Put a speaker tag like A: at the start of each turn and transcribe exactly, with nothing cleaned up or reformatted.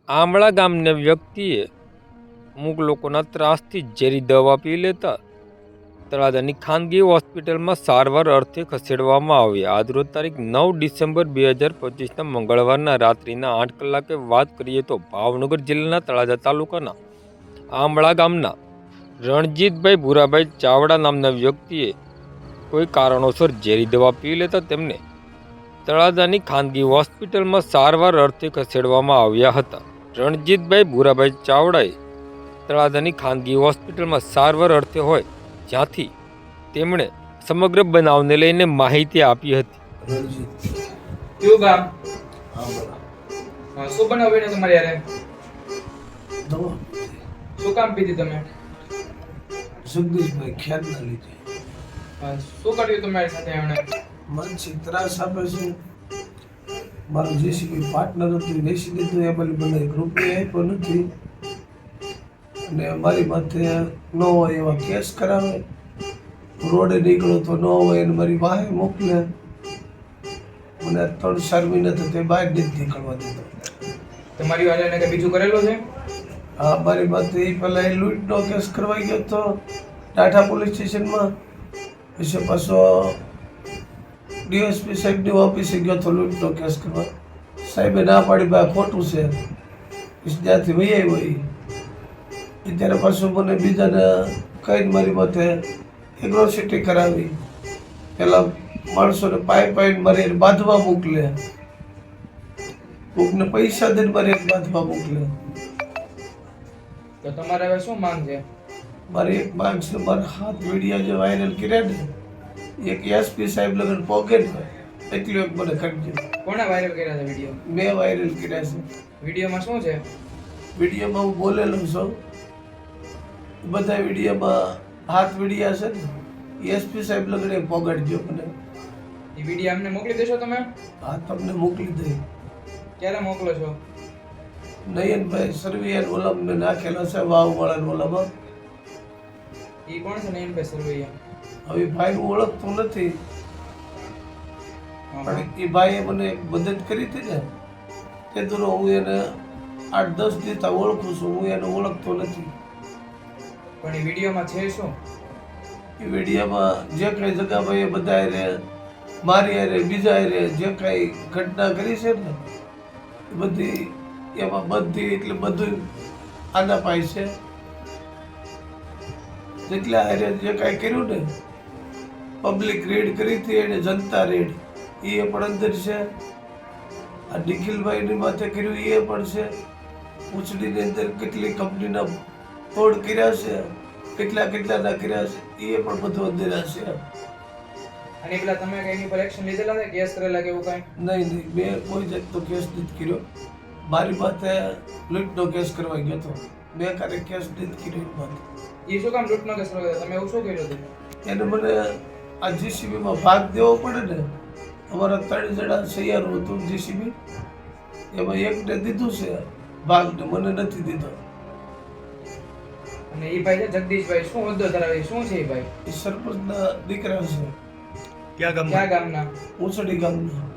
A: આંબળા ગામના વ્યક્તિએ અમુક લોકોના ત્રાસથી ઝેરી દવા પી લેતા તળાજાની ખાનગી હોસ્પિટલમાં સારવાર અર્થે ખસેડવામાં આવ્યા. આજરોજ તારીખ નવ ડિસેમ્બર બે હજાર પચીસના મંગળવારના રાત્રિના આઠ કલાકે વાત કરીએ તો ભાવનગર જિલ્લાના તળાજા તાલુકાના આંબળા ગામના રણજીતભાઈ ભૂરાભાઈ ચાવડા નામના વ્યક્તિએ કોઈ કારણોસર ઝેરી દવા પી લેતા તેમને તળાજાની ખાનગી હોસ્પિટલમાં સારવાર અર્થે ખસેડવામાં આવ્યા હતા. રણજીતભાઈ ભૂરાભાઈ ચાવડાએ તળાજાની ખાનગી હોસ્પિટલમાં સારવાર અર્થે હોય જ્યાંથી તેમણે સમગ્ર બનાવને લઈને માહિતી આપી હતી.
B: રણજીત
C: કયું ગામ?
B: હા બોલા
C: હા, શું બનાવ બન્યો તમારી યારે?
B: દવા
C: શું કામ પીધી તમે?
B: જગદીશભાઈ ખ્યાલ ના લીધે
C: હા, શું કર્યું તમારી સાથે એમણે?
B: માનસિક ત્રાસ આપે છે. મારું જેસીબી પાર્ટનર હતું વેચી દીધું, એ બધી મને એક રૂપિયા આપ્યો નથી અને મારી માથે ન હોય એવા કેસ કરાવે. રોડે નીકળો તો ન હોય એને મારી વાહે મોકલે. મને ત્રણ ચાર મહિના તો તે બહાર નથી નીકળવા દીધો.
C: તમારી વાળાને કઈ બીજું કરેલું છે?
B: હા, મારી માથે એ પહેલા એ લૂંટનો કેસ કરવાઈ ગયો હતો ટાટા પોલીસ સ્ટેશનમાં. પછી પાછો ડીએસપી સાહેબની ઓફિસે ગયો હતો લૂંટનો કેસ કરવા. સાહેબે ના પાડી ભાઈ ખોટું છે. પછી ત્યાંથી વહી આવ્યો એ ત્યારે પાછું મને બીજાને કહીને મારી માથે એગ્રોસિટી કરાવી. પેલા માણસોને પાઇપ પાઇપ મારી એને બાંધવા મોકલે, કોકને પૈસા દઈને મારી એને બાંધવા મોકલે.
C: તો તમારે હવે શું માંગ છે?
B: મારી એક માંગ છે, મારા હાથ મીડિયા જે વાયરલ કર્યા ને એક એસપી સાહેબ લગન પોકે ને એટલું એક મને કરજો.
C: કોણે વાયરલ કર્યા છે વિડીયો?
B: મેં વાયરલ કર્યા છે.
C: વિડીયોમાં શું છે?
B: વિડીયોમાં હું બોલેલો છું. બધા વિડીયોમાં હાથ મીડિયા છે ને એસપી સાહેબ લગન પોગાડજો મને.
C: એ વિડીયો અમને મોકલી દેશો તમે?
B: હા, તમને મોકલી દઈ.
C: ક્યારે મોકલો છો?
B: નયનભાઈ સરવિયાન ઓલામને નાખેલા છે વાવવાળા ઓલામાં.
C: એ કોણ છે નયનભાઈ સરવૈયા?
B: હવે ભાઈ હું ઓળખતો નથી પણ એ ભાઈએ મને એક મદદ કરી હતી ને તે દૂરો હું એને આઠ દસ દિવસ ઓળખું છું. હું એને ઓળખતો નથી.
C: પણ એ વિડીયોમાં છે શું?
B: એ વિડીયોમાં જે કઈ જગાભાઈ એ બધા રે મારી રે બીજા રે જે કઈ ઘટના કરી છે ને એ બધી એમાં બધી એટલે બધું આના પાય છે. જેટલા હારે જે કાંઈ કર્યું ને પબ્લિક રેડ કરી હતી એને જનતા રેડ એ પણ અંદર છે. આ નિખિલભાઈની માથે કર્યું એ પણ છે. ઉચડીની અંદર કેટલી કંપનીના તોડ કર્યા છે, કેટલા કેટલાના કર્યા છે એ પણ બધું અંદર છે.
C: અને પેલા તમે કઈ એની પર એક્શન લીધેલા છે, કેસ કરેલા કે એવું કઈ?
B: નહીં નહીં મેં કોઈ જાતનો કેસ નથી કર્યો. મારી માથે લૂંટનો કેસ કરવા ગયો હતો. મેં ક્યારેક કેસ નથી કર્યો એની માથે.
C: એ શું કામ લૂંટનો કેસ કર્યો? તમે એવું શું કર્યું હતું?
B: એને મને આ જીસીબીમાં ભાગ દેવો પડે ને. અમારા ત્રણ જણા સૈયારો હતું જીસીબી, એમાં એકને દીધું છે ભાગ ને મને નથી દીધો.
C: અને એ ભાઈ છે જગદીશભાઈ, શું હોદ્દો ધરાવે? શું છે એ ભાઈ?
B: એ સરપંચના દીકરા છે.
D: ક્યાં ગામના?
C: ક્યાં ગામના?
B: ઉંચડી ગામના.